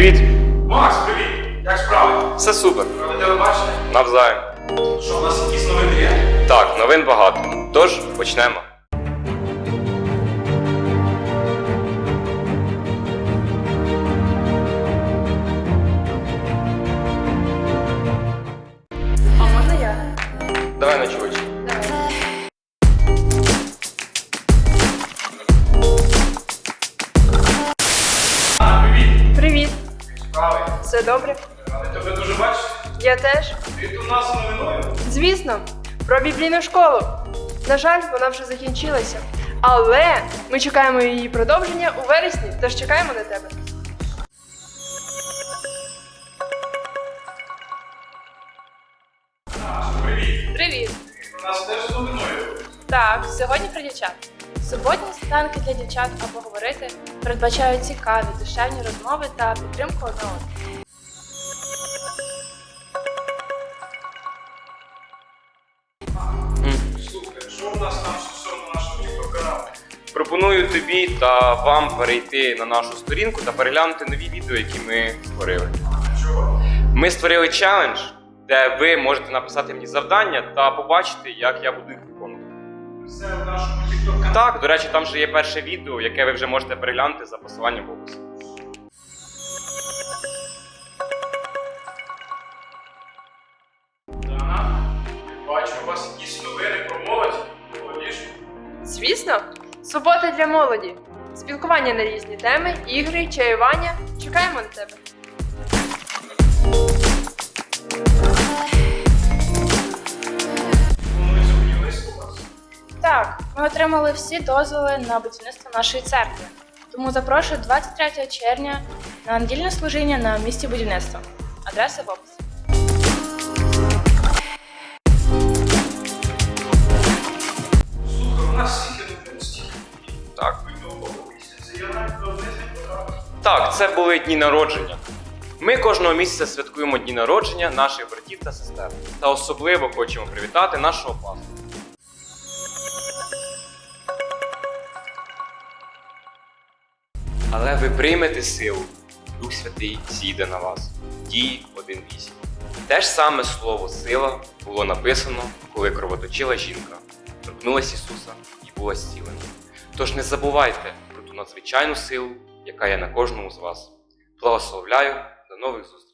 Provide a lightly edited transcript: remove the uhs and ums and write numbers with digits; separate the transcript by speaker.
Speaker 1: Привіт!
Speaker 2: Макс, привіт! Як справи?
Speaker 1: Все супер.
Speaker 2: Ради телебачення?
Speaker 1: Навзаєм.
Speaker 2: Що, у нас якісь новини є?
Speaker 1: Так, новин багато. Тож, почнемо.
Speaker 3: А можна я?
Speaker 1: Давай ночуючи.
Speaker 3: Давай.
Speaker 2: Привіт!
Speaker 3: Привіт!
Speaker 2: Як справи?
Speaker 3: Все добре?
Speaker 2: Ради тебе дуже бачити.
Speaker 3: Я теж.
Speaker 2: Ти тут у нас з новиною?
Speaker 3: Звісно, про біблійну школу. На жаль, вона вже закінчилася. Але ми чекаємо її продовження у вересні, тож чекаємо на тебе.
Speaker 2: Привіт!
Speaker 3: Привіт!
Speaker 2: Ти у нас теж з новиною.
Speaker 3: Так, сьогодні про дівчат. Суботні сніданки для дівчат або говорити передбачають цікаві, душевні розмови та підтримку одне одного.
Speaker 2: Слухай, що у нас там стосовно нашого тікток-каналу?
Speaker 1: Пропоную тобі та вам перейти на нашу сторінку та переглянути нові відео, які ми створили.
Speaker 2: Чого?
Speaker 1: Ми створили челендж, де ви можете написати мені завдання та побачити, як я буду їх виконувати.
Speaker 2: Все в нашому тікток-каналі.
Speaker 1: Так, до речі, там вже є перше відео, яке ви вже можете переглянути за посиланням в описі.
Speaker 2: Дана, бачу, у вас якісь новини про молодь. Молодіж.
Speaker 3: Звісно, субота для молоді. Спілкування на різні теми, ігри, чаювання. Чекаємо на тебе.
Speaker 2: Вони зупинились у вас.
Speaker 4: Так, ми отримали всі дозволи на будівництво нашої церкви. Тому запрошую 23 червня на недільне служіння на місці будівництва. Адреса в описі.
Speaker 2: Слухай, у нас всіх є новини стільки.
Speaker 1: Так.
Speaker 2: Минулого місяця я навіть до одних не потрапив.
Speaker 1: Так, це були дні народження. Ми кожного місяця святкуємо дні народження наших братів та сестер. Та особливо хочемо привітати нашого пастора. Але ви приймете силу, Дух Святий зійде на вас. Дії 1.8. Те ж саме слово сила було написано, коли кровоточила жінка, торкнулась Ісуса і була зцілена. Тож не забувайте про ту надзвичайну силу, яка є на кожному з вас. Благословляю, до нових зустрічей!